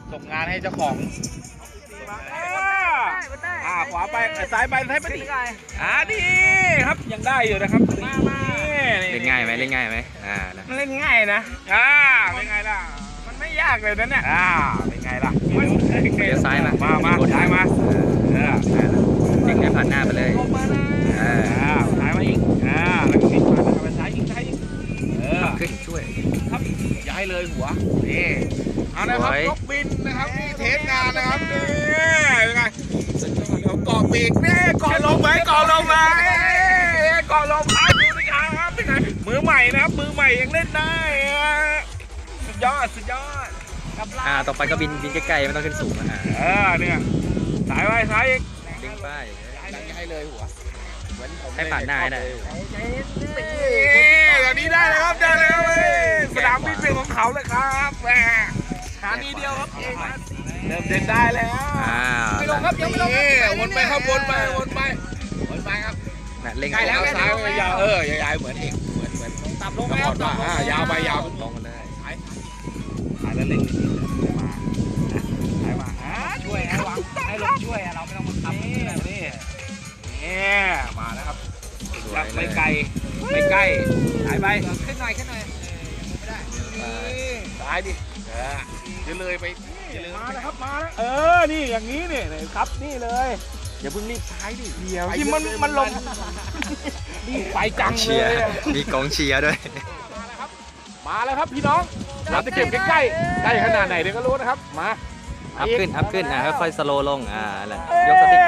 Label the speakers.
Speaker 1: ส่งงานให้เจ้าของขวาไปซ้ายไปซ้ายไปดินี่ครับยังได้อยู่นะครับ
Speaker 2: เล่นง่ายไหมเล่นง่ายไหม
Speaker 1: เล่นง่ายนะเป็นไงล่ะมันไม่ยากเลยนะเนี่ยเป็นไงล่ะ
Speaker 2: เลี้ยวซ้ายมา
Speaker 1: ซ้ายมา
Speaker 2: ดึงให้ผ่านหน้าไปเลย
Speaker 1: ซ้ายมาอีกแล้วก็พลิกมาไปซ้ายอีก
Speaker 2: ขึ้นช่วย
Speaker 1: ครับอย่าให้เลยหัวนี่เอานะครับยกบินนะครับนี่เทสงานนะครับนี่เป็นไงเดี๋ยวเกาะปีกนี่เกาะลงไหมเกาะลงไหมเกาะลงดูนะครับเป็นไงมือใหม่นะครับมือใหม่ยังเล่นได้สุดยอด
Speaker 2: ต่อไปก็บินใกล้ๆไม่ต้องขึ้นสูง
Speaker 1: เนี่ยสายไปสายอีก
Speaker 2: ดึงไป
Speaker 1: อย่าให้เลยหัว
Speaker 2: ให้ผ่านหน้าได้
Speaker 1: อย่างนี้ได้เลยครับได้เลยสนามบินเป็นของเขาเลยครับแหมหานี้เดียวครับเองเริ่มเดินได้แล้วไม่ลงครับยังไม่ลงวนไปครับวนไปครับ
Speaker 2: เล่น
Speaker 1: ใกล้แล้วซ้ายยาวยาวเหมือนเองเหมือนต่ำลงแล้วยาวไปยาวลงมาเลยสายแล้วเล่นมาช่วยให้วางให้ลงช่วยเราไม่ต้องมาทำนี่มาแล้วครับไม่ไกลสายไปขึ้นหน่อยไม่ได้สายดิจะเลยไปมาแล้วครับมาแล้วนี่อย่างนี้นี่ครับนี่เลยอย่าเพิ่งรีบซ้ายดิเดี๋ยวที่มันลงนี่ไปจังเลย
Speaker 2: มีกองเชียร์ด้วย
Speaker 1: มาแล้วครับพี่น้องเราจะเก็บใกล้ขนาดไหนเดี๋ยวก็รู้นะครับมา
Speaker 2: อัพขึ้นค่อยๆสโลว์ลงแหละยกสติ๊ก